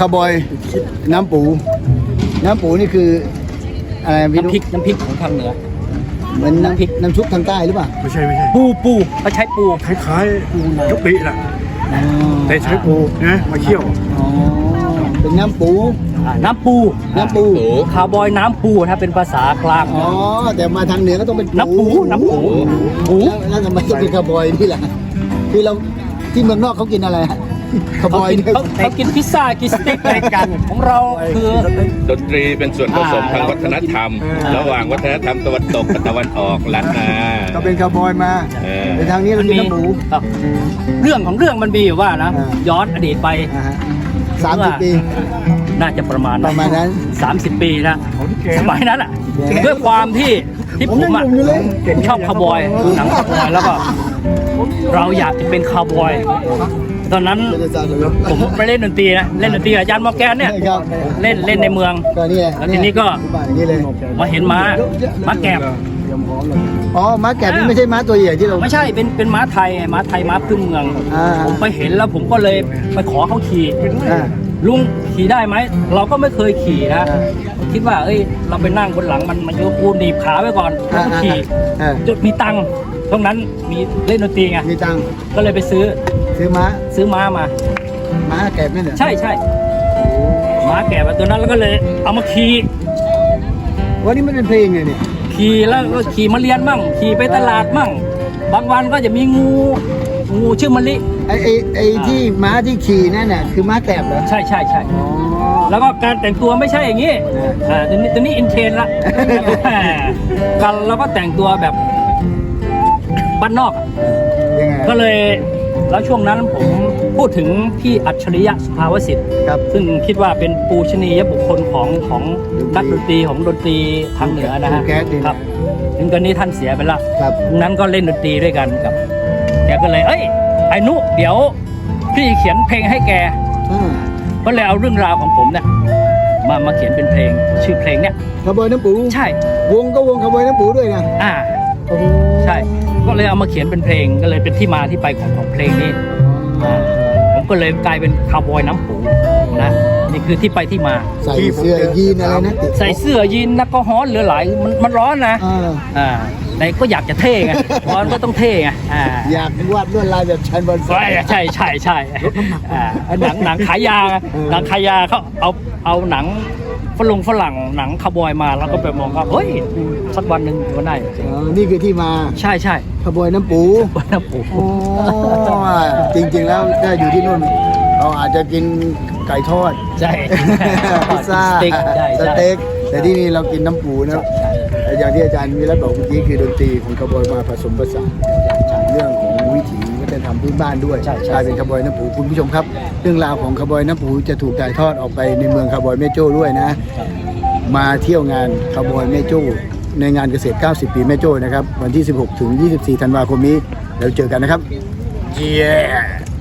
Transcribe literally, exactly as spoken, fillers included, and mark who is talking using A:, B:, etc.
A: าวบอยน้ำปูน้ำปูนี่คืออะไรพี่
B: น้ำพริกน้ำพริกของทางเหนือ
A: เหมือนน้ำพริกน้ำซุปทางใต้หรือเปล่า
C: ไม่ใช่ไม่ใช่
B: ปูปูเขาใช้ปู
C: คล้ายๆกะปิแหละ
A: อ๋อ
C: แต่ใช้ปูนะมาเคี่ยว
A: อ๋อเป็นน้ำปู
B: อ่าน้ำปู
A: น้ำปู
B: คาร์บอยน้ำปูถ้าเป็นภาษากลาง
A: อ๋อแต่มาทางเหนือก็ต้องเป็น
B: น้ำปูน้ำปูปู
A: แล้วแล้วทำไมต้องเป็นคาวบอยนี่ล่ะคือเราที่เมืองนอกเขากินอะไรฮะคาวบ
B: เขา
A: อย
B: กิน
A: เนี่ย
B: เขาเขากินพิซซ่ากินสเต็กอะไรกันของเราคือ
D: ดนตรีเป็นส่วนผสม
B: อ่า
D: ทางวัฒนธรรม ระหว่างวัฒนธรรมตะวันตกกับตะวันออกล้านนา
A: ก็เป็นคาวบอยมา
D: เออ
A: ในทางนี้เรากินน้ำหมู
B: ครับเรื่องของเรื่องมันมีอยู่ว่านะ
A: อ่า
B: ย้อนอดีตไป
A: อ่าฮะสามสิบปี
B: น่าจะประมาณ
A: ประมาณนั้น
B: สามสิบปีนะสมัยนั้นอ่ะด้วยความที่ที่ผมอ่ะชอบคาวบอยหนังคาวบอยแล้วก็เราอยากจะเป็นคาวบอย ตอนนั้นผมไปเล่นดนตรีนะเล่นดนตรีกับอาจารย์มอร์แกนเนี่ย
A: ครับ
B: เล่นเล่นในเมือง
A: ก็นี่ไง
B: แล้วทีนี้ก็
A: อย่างนี้เลย
B: มาเห็นม้าม้าแกบ
A: อ๋อม้าแกะนี่ไม่ใช่ม้าตัวใหญ่ที่เรา
B: ไม่ใช่เป็นเป็นม้าไทยไงม้าไทยม้าพื้นเมือง
A: อ่า
B: ผมไปเห็นแล้วผมก็เลยไปขอเขาขี่
A: อ่า
B: ลุงขี่ได้ไหมเราก็ไม่เคยขี่นะ
A: อ่า
B: คิดว่าเอ้ยเราไปนั่งบนหลังมันมันจะกูหนีบขาไว้ก่อนแล้วก็ขี่
A: อ่า
B: จุดมีตังค์ตรงนั้นมีเล่นดนตรีไง
A: มีตังค์
B: ก็เลยไปซื้อ
A: ซื้อม้า
B: ซื้อม้ามา
A: ม้าแกะนั่นเหรอ
B: ใช่ใช่ม้าแก่มาตัวนั้นแล้วก็เลยเอามาขี่
A: วันนี้มันเป็นเพลงไงเนี่ย
B: ขี่แล้วก็ขี่มาเรียนมั่งขี่ไปตลาดมั่งบางวันก็จะมีงูงูชื่อมะลิ
A: ไอ้ไอ้ไอ้ที่ม้าที่ขี่นั่นน่ะคือม้าแกะเหรอ
B: ใช่ใช่ใช่
A: อ๋อ
B: แล้วก็การแต่งตัวไม่ใช่อย่างนี้อ่าตัวนี้ตัวนี้อินเทรนด์ละ กันเราก็แต่งตัวแบบบ้านนอกอะ
A: ยังไง
B: ก็เลยแล้วช่วงนั้นผมพูดถึงพี่อัจฉริยะสุภาวสิทธิ์
A: ครับ
B: ซึ่งคิดว่าเป็นปูชนียบุคคลของของนักดนตรีของดนตรีทางเหนือนะฮะ
A: แก๊สดี
B: ครับถึงตอนนี้ท่านเสียไปละ
A: ครับ
B: ตรงนั้นก็เล่นดนตรีด้วยกันกับแกก็เลยเอ้ยไอ้นุเดี๋ยวพี่เขียนเพลงให้แก
A: อ่า
B: ก็เลยเอาเรื่องราวของผมเนี่ยมามาเขียนเป็นเพลง ชื่อเพลงเนี่ย
A: คาวบอยน้ำปู
B: ใช่
A: วงก็วงคาวบอยน้ำปูด้วยนะ
B: อ่า
A: โอ้โห
B: ใช่ ก็เลยเอามาเขียนเป็นเพลงก็เลยเป็นที่มาที่ไปของของเพลงนี้อ่าผมก็เลยกลายเป็นคาวบอยน้ำปูนะนี่คือที่ไปที่มา
A: ใส่เสื้อยีนอะไรนะ
B: ใส่เสื้อยีนนักก็ฮ้อนเหลือหลายมันมันร้อนนะ
A: อ่า
B: อ่าแต่ก็อยากจะเท่ไงร้อนก็ต้องเท่ไงอ่า
A: อยากวาดลวดลายแบบชันบอล
B: ใช่ใช่ใช่ใช่อ่าหนังหนังขายยาไงหนังขายยาเขาเอาเอาหนังฝรั่งฝรั่งหนังคาวบอยมาแล้วก็ไปมองว่าเฮ้ยสักวันหนึ่งก็ได้
A: อ๋อนี่คือที่มา
B: ใช่ใช่
A: คาวบอยน้ำปู
B: วันน้ำปู
A: โอ้จริงๆแล้วถ้าอยู่ที่นู่นเราอาจจะกินไก่ทอด
B: ใช่
A: พิซซ่า
B: สเต็กใช่
A: ส
B: ใช่
A: เต็กแต่ที่นี่เรากินน้ำปูนะอย่างที่อาจารย์วิรัตบอกเมื่อกี้คือดนตรีของคาวบอยมาผสมผสานเรื่องของวิถีวัฒนธรรมพื้นบ้านด้วย
B: ใช่ใช่
A: กลายเป็นคาวบอยน้ำปูคุณผู้ชมครับ เรื่องราวของคาวบอยน้ำปูจะถูกถ่ายทอดออกไปในเมืองคาวบอยแม่โจ้ด้วยนะ มาเที่ยวงานคาวบอยแม่โจ้ในงานเกษตร เก้าสิบ ปีแม่โจ้นะครับวันที่ สิบหก ถึง ยี่สิบสี่ ธันวาคมนี้แล้วเจอกันนะครับ เย้